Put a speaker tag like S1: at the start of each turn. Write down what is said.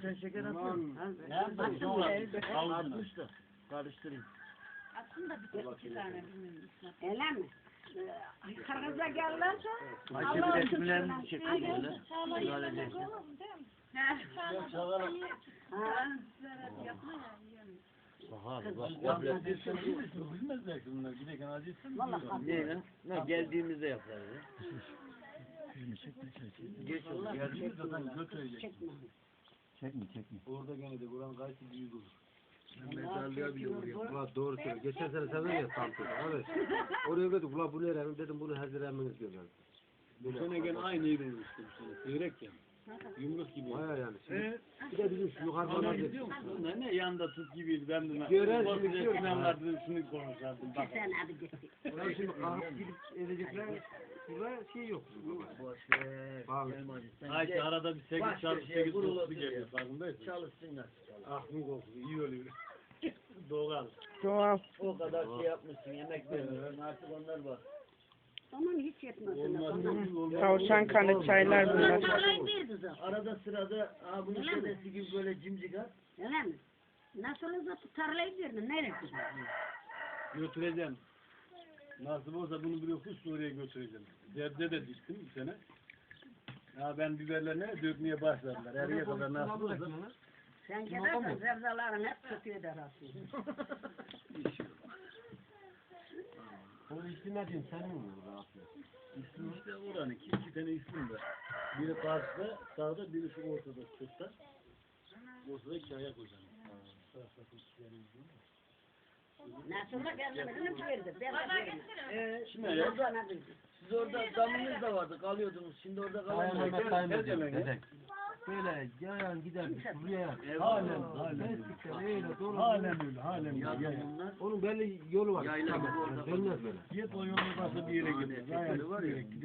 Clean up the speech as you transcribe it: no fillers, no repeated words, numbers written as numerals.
S1: sen şeker atın. Atmış da. Karıştırayım.
S2: Aslında bir iki tane bilmiyorum. Öyle mi? Kırgız'a gelirlerse
S1: Ayşe bir resimlerini çekiyor böyle. Müdahale değil. Bahar bak.
S3: Bilmezler ki bunlar. Giderken acıysın.
S1: Ne lan? Ne geldiğimizde yaparız ya. Geç olur.
S3: Geldiğimiz zaten götürecek.
S4: Çekme.
S3: Orada gene de buranın gayet büyük olur.
S1: Mezarlığa bile vuruyor.
S4: Ulan doğru söylüyor. Geçen sene sen ya Samsun'da. Evet. Oraya dedik ulan bu ne rengim dedim bunu hazır emminiz diyorlar.
S3: Bu sene gene aynı yeri işte bu sene. Seyrek ya. Yumruk gibi.
S4: Baya yani. Şimdi, bir de bizim şu yukarıdan
S3: Onlar
S4: aldık.
S3: gidiyor musun? Ne yanda tut gibiydi. Ben de
S4: Gören
S3: bu
S4: şimdi diyor ki-
S3: sinanlarda şunu konuşardım. Bak.
S2: sen abi gittik.
S4: Ulan şimdi kalkıp gidip edecekler. Burada şey yok.
S1: Boş ver.
S4: Bağlı.
S1: Gelmedi. Sen
S3: Ayşe
S1: gel.
S3: arada bir 8
S1: Başka
S3: çarpı
S1: şeye
S3: 8
S1: vurulur
S3: dokusu
S1: bir
S3: geliyor.
S1: şey.
S3: Farkındaysın.
S1: Çalışsınlar.
S3: Aklın kokusu iyi oluyor. Doğal.
S5: Doğal.
S1: O kadar şey yapmışsın, yemek vermişsin. Artık onlar var.
S2: Aman hiç yetmez.
S3: Olmaz.
S5: Tavşan kanı çaylar bunlar.
S2: Tarlayı bir kızım.
S1: Arada sırada bunun
S2: Öyle mi?
S1: şeresi gibi böyle cimcik at.
S2: Öyle mi? Nasıl olsa tarlayı verdin. Nereye kızım?
S3: Götüreceğim. Nasip olsa bunu bir yokuş Suriye'ye götüreceğim. Derde de düştüm bir sene. Ya ben biberlerine dökmeye başladılar. Eriye kadar nasip olsa.
S2: Sen gidersen zevzaların hep kötü eder aslında.
S4: Onu istimler diyeyim senin mi burada?
S3: İslim işte oranın iki tane islim var. Biri karşıda, sağda, biri şu ortada, sırtta. Ortada iki ayak hocam.
S2: Nasıl olsa kendini verdi. Ben de verdim.
S3: Şimdi ayak.
S1: Siz orada damınız da vardı, kalıyordunuz. Şimdi orada kalamıyorsunuz.
S4: Böyle yayan giderdik şuraya.
S3: Halen.
S4: Öyle doğru.
S3: Halen öyle, halen öyle.
S1: Yazınlar.
S4: Onun belli yolu var.
S1: Yayla gibi orada.
S4: Dönmez böyle.
S3: Git o yolun başka bir yere gidiyor.
S1: Var ya.